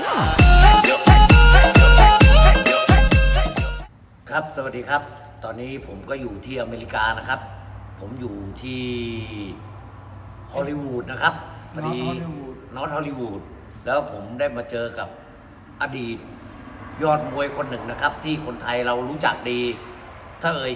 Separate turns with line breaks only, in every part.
ครับสวัสดีครับตอนนี้ผมก็อยู่ที่อเมริกานะครับผมอยู่ที่ฮอลลีวูดนะครับพอดีนอตฮอลลีวูดแล้วผมได้มาเจอกับอดีตยอดมวยคนหนึ่งนะครับที่คนไทยเรารู้จักดีถ้าเอ่ย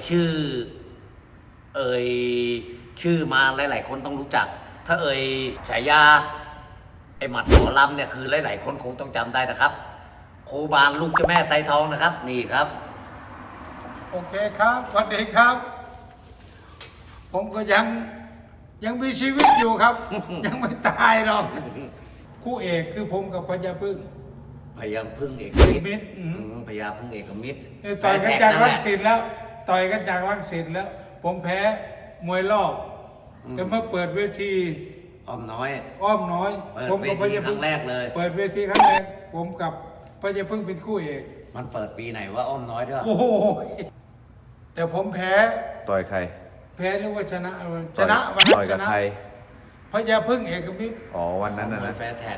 ชื่อมาหลายๆคนต้องรู้จักถ้าเอ่ยฉายาไอหมัดหมอลำเนี่ยคือหลายๆคนคงต้องจำได้นะครับโคบานลูกเจ้าแม่ไซทองนะครับนี่ครับ
โอเคครับสวัสดีครับผมก็ยังมีชีวิตอยู่ครับ ยังไม่ตายหรอกคู่เอกคือผมกับพญาพึ่ง
พญาพึ่งเอกมิตรพญาพึ่งเอกมิตร
ต่อยกันจากรังสิตแล้วต่อยกันจากรังสิตแล้วผมแพ้มวยรอบก็มาเปิดเวที
อ้อมน้อย
ผมกับพญาพึ่ง
ครั้งแรกเลย
เปิดเวทีครั้งแรกผมกับพญาพึ่งเป็นคู่เอก
มันเปิดปีไหนว่าอ้อมน้อยด้วย
โอ้โหแต่ผมแพ้
ต่อยใคร
แพ้หรือว่าชนะวัน
ต่อยกับใคร
พญาพึ่งเอกมิตร
อ๋อวันนั้นนะ
แฟร์แท็ก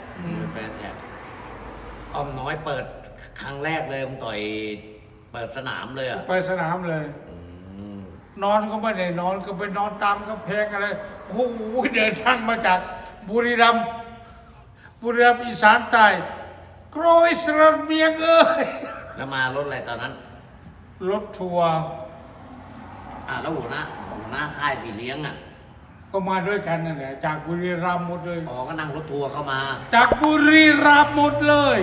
อ้อมน้อยเปิดครั้งแรกเลยผมต่อยเปิดสนามเลย
เปิดสนามเลยนอนก็ไม่ได้นอนก็ไปนอนตามกำแพงอะไรโอ้โหเดินทางมาจากบุรีรัมย์อีสานใต้โกรยสระเมียง
แล้วมารถอะไรตอนนั้น
รถทัวร์
แล้วหัวหน้าค่ายพี่เลี้ยง
ก็มาด้วยกันนั่นแหละจากบุรีรัมย์หมดเลย
ก็นั่งรถทัวร์เข้ามา
จากบุรีรัมย์หมดเลย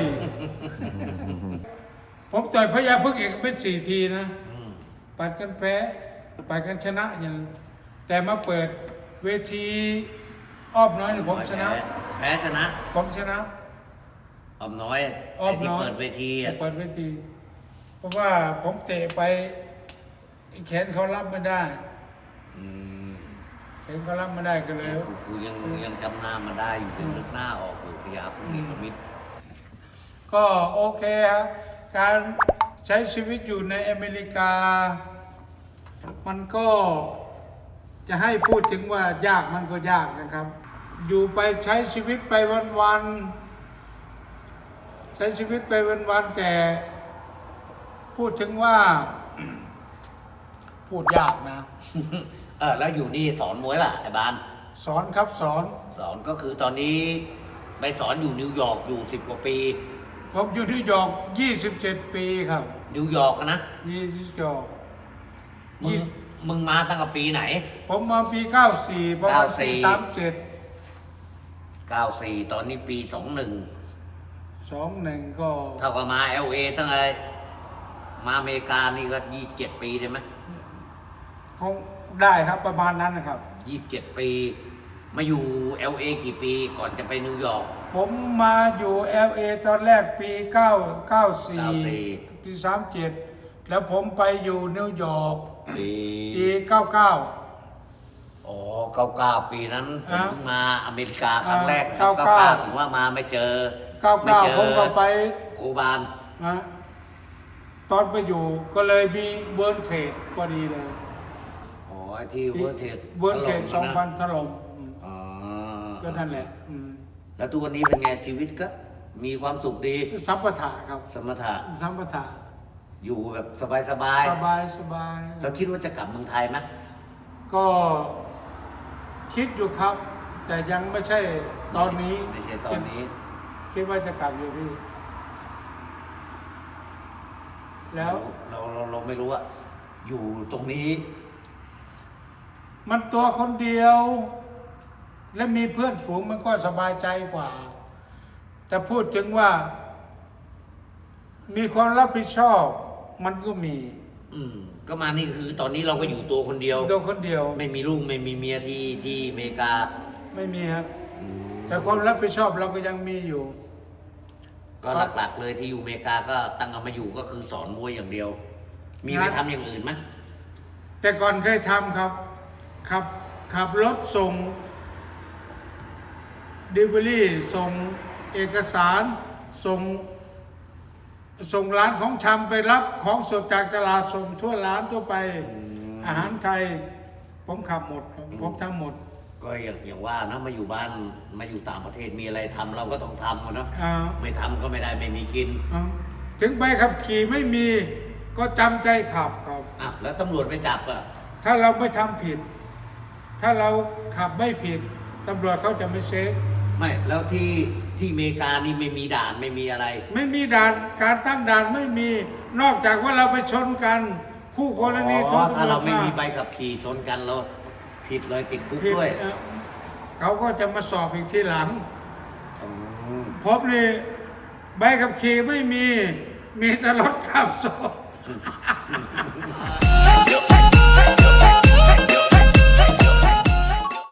ผมต่อยพญาพึ่งเอกเป็น4 ทีนะปัดกันแพ้ปัดกันชนะอย่างแต่มาเปิดเวทีอ้อมน้อยผมชนะ
แพ้ชนะ
ผมชนะ
อ้อมน้อยที่เปิดเวที
เพราะว่าผมเตะไปแขนเขารับไม่ได้แขนเขารับไม่ได้ก็เลย
กูยังจำหน้ามาได้อยู่ยังนึกหน้าออกอยู่พยาพึ่งเอกมิตร
ก็โอเคฮะการใช้ชีวิตอยู่ในอเมริกามันก็จะให้พูดถึงว่ายากมันก็ยากนะครับอยู่ไปใช้ชีวิตไปวันๆใช้ชีวิตไปวันๆแต่พูดถึงว่าพูดยากนะ
แล้วอยู่นี่สอนมวยป่ะไอ้บาน
สอนครับสอน
ก็คือตอนนี้ไปสอนอยู่นิวยอร์กอยู่10 กว่าปี
ผมอยู่นิวยอร์ก27 ปีครับ
นิวยอร์กนะ
นิวยอร์ก
มึงมาตั้งแต่ปีไหน
ผมมาปี94ประมาณปี
94ตอนนี้ปี
21ก็
เท่ากับมา LA ตั้งแต่มาอเมริกานี่ก็27 ปีได้ไหม
คงได้ครับประมาณนั้นนะครับ
27 ปีมาอยู่ LA กี่ปีก่อนจะไปนิวยอร์ก
ผมมาอยู่ LA ตอนแรกปี94ปี37แล้วผมไปอยู่นิวยอร์กปี99
99 ปีนั้นผมเพิ่งมาอเมริกาครั้งแรก99ถึงว่ามาไม่เจอ
99ผมก็ไป
โคบาน
ตอนไปอยู่ก็เลยมีเวิร์ลเทรดพอดีเลย
ที่เวิร์ลเทรด
2,000 ถล่มก็นั่นแหละ
แล้วทุกวันนี้เป็นไงชีวิตก็มีความสุขดี
สัมปทาครับ
สัมปทาอยู่แบบสบายแล้วคิดว่าจะกลับเมืองไทยไหม
ก็คิดอยู่ครับแต่ยังไม่ใช่ตอนนี้คิดว่าจะกลับอยู่พี่แล้ว
เราไม่รู้ว่าอยู่ตรงนี้
มันตัวคนเดียวและมีเพื่อนฝูงมันก็สบายใจกว่าแต่พูดถึงว่ามีความรับผิดชอบมันก็มี
ก็มานี่คือตอนนี้เราก็อยู่ตัวคนเดียวไม่มีลูกไม่มีเมียที่อเมริกา
ไม่มีครับแต่ความรับผิดชอบเราก็ยังมีอยู่
ก็หลักๆเลยที่อยู่อเมริกาก็ตั้งเอามาอยู่ก็คือสอนมวยอย่างเดียวมีไปทำอย่างอื่นไหม
แต่ก่อนเคยทำครับขับรถส่งดิลิเวอรี่ส่งเอกสารส่งร้านของชำไปรับของสดจากตลาดส่งทั่วร้านทั่วไปอาหารไทยผมขับหมดผมทำหมด
ก็อย่างว่านะมาอยู่บ้านมาอยู่ต่างประเทศมีอะไรทำเราก็ต้องทำอะเนาะ
อ่า
ไม่ทำก็ไม่ได้ไม่มีกิน
ถึงใบขับขี่ไม่มีก็จำใจขับครับ
อ่ะแล้วตำรวจไปจับอ่ะ
ถ้าเราไม่ทำผิด ถ้าเราขับไม่ผิดตำรวจเขาจะไม่เช็ค
ไม่แล้วที่อเมริกานี่ไม่มีด่านไม่มีอะไร
ไม่มีด่านการตั้งด่านไม่มีนอกจากว่าเราไปชนกัน คู่กรณี
อ๋อถ้าเราไม่มีใบขับขี่ชนกันเราผิดเลยติดคุก
ผิด
ด้วย
เขาก็จะมาสอบอีกทีหลัง
อืม
ผมนี่ใบขับขี่ไม่มีแต่รถขับสอบ